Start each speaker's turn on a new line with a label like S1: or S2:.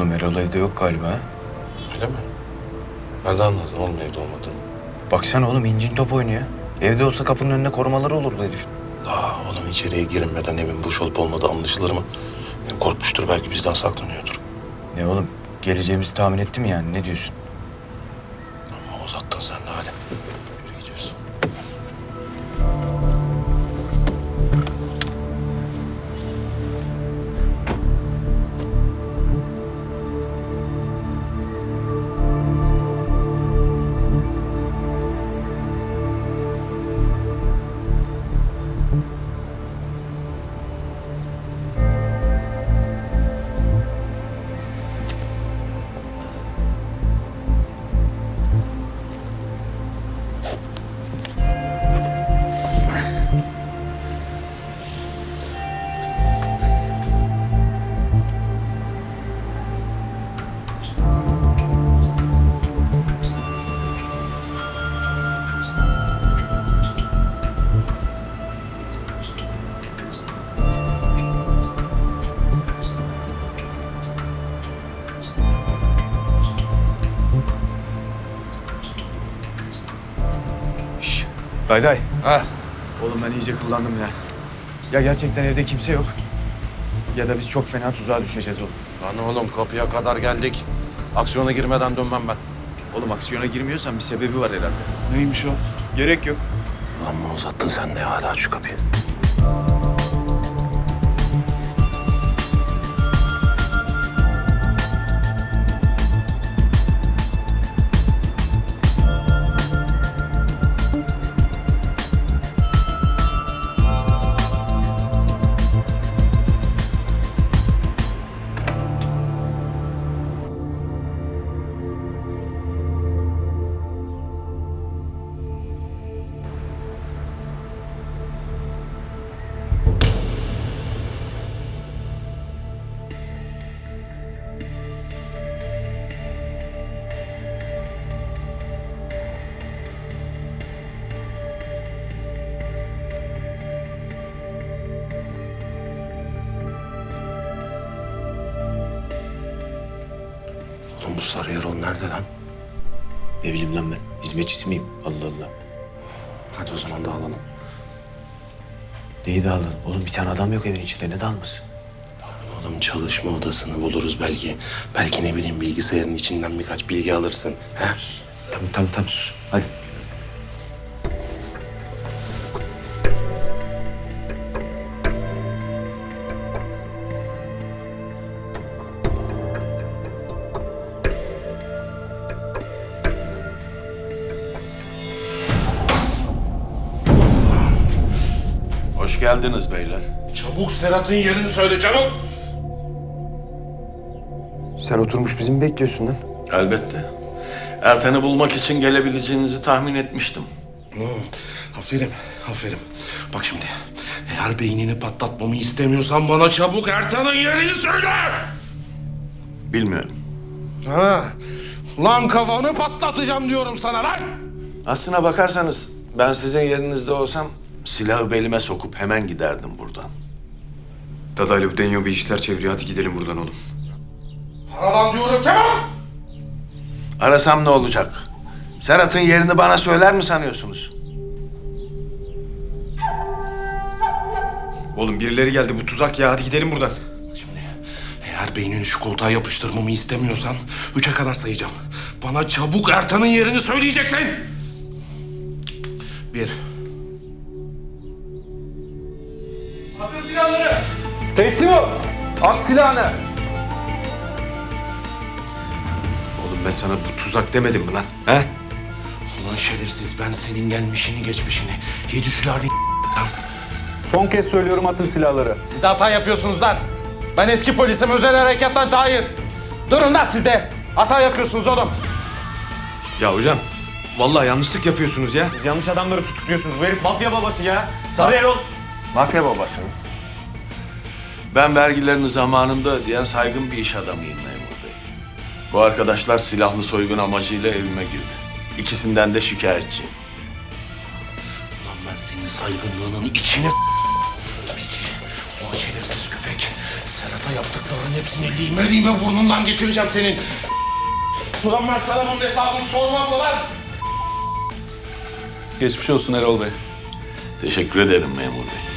S1: Oğlum Erol evde yok galiba ha?
S2: Öyle mi? Nereden anladın oğlum evde olmadığını?
S1: Baksana oğlum incin top oynuyor. Evde olsa kapının önüne korumaları olurdu herifin.
S2: Oğlum içeriye girilmeden evin boş olup olmadığı anlaşılır mı? Korkmuştur, belki bizden saklanıyordur.
S1: Ne oğlum geleceğimizi tahmin etti mi yani, ne diyorsun?
S2: Ama uzattın sen de, hadi. Yürü gidiyoruz.
S1: Dayday.
S2: Ha.
S1: Oğlum ben iyice kullandım ya. Ya gerçekten evde kimse yok. Ya da biz çok fena tuzağa düşeceğiz oğlum.
S2: Lan oğlum kapıya kadar geldik. Aksiyona girmeden dönmem ben.
S1: Oğlum aksiyona girmiyorsan bir sebebi var herhalde.
S2: Neymiş o?
S1: Gerek yok.
S2: Amma uzattın sen de ya, hadi aç şu kapıyı. Oğlum bu Sarı Erol nerede lan?
S3: Ne bileyim lan ben. Hizmetçisi miyim? Allah Allah.
S2: Hadi o zaman dağılalım.
S3: Neyi dağıldın? Oğlum bir tane adam yok evin içinde. Ne dağılması?
S2: Oğlum çalışma odasını buluruz belki. Belki ne bileyim bilgisayarın içinden birkaç bilgi alırsın. He?
S3: Tamam sus. Hadi.
S4: Hoş geldiniz beyler.
S2: Çabuk Serhat'ın yerini söyle, çabuk!
S1: Sen oturmuş bizi mi bekliyorsun lan?
S4: Elbette. Erten'i bulmak için gelebileceğinizi tahmin etmiştim.
S2: Aferin. Bak şimdi, eğer beynini patlatmamı istemiyorsan bana çabuk Ertan'ın yerini söyle!
S4: Bilmiyorum.
S2: Ha, lan kafanı patlatacağım diyorum sana lan!
S4: Aslına bakarsanız ben sizin yerinizde olsam silahı belime sokup hemen giderdim buradan.
S1: Dadaylı bu Denyo bir işler çeviriyor. Hadi gidelim buradan oğlum.
S2: Paradan diyorum, çabuk!
S4: Arasam ne olacak? Serhat'ın yerini bana söyler mi sanıyorsunuz?
S1: Oğlum birileri geldi. Bu tuzak ya. Hadi gidelim buradan.
S2: Şimdi eğer beynini şu koltuğa yapıştırmamı istemiyorsan 3'e kadar sayacağım. Bana çabuk Ertan'ın yerini söyleyeceksin. 1.
S5: Atın silahları! Teslim ol! At silahını!
S1: Oğlum ben sana bu tuzak demedim mi lan? He?
S2: Ulan şerefsiz, ben senin gelmişini geçmişini 7 sülale
S5: Son kez söylüyorum, atın silahları.
S6: Siz de hata yapıyorsunuz lan. Ben eski polisim, özel harekattan Tahir. Durun lan siz de. Hata yapıyorsunuz oğlum.
S1: Ya hocam. Vallahi yanlışlık yapıyorsunuz ya.
S5: Siz yanlış adamları tutukluyorsunuz. Bu herif mafya babası ya. Sarı Erol.
S4: Mafya babası mı? Ben vergilerini zamanında ödeyen saygın bir iş adamıyım memur bey. Bu arkadaşlar silahlı soygun amacıyla evime girdi. İkisinden de şikayetçiyim.
S2: Ulan ben senin saygınlığının içine Ulan şerefsiz köpek. Serhat'a yaptıklarının hepsini lime lime burnundan getireceğim senin. Ulan ben sana bunun hesabını sormam mı lan?
S6: Geçmiş olsun Erol Bey.
S4: Teşekkür ederim memur bey.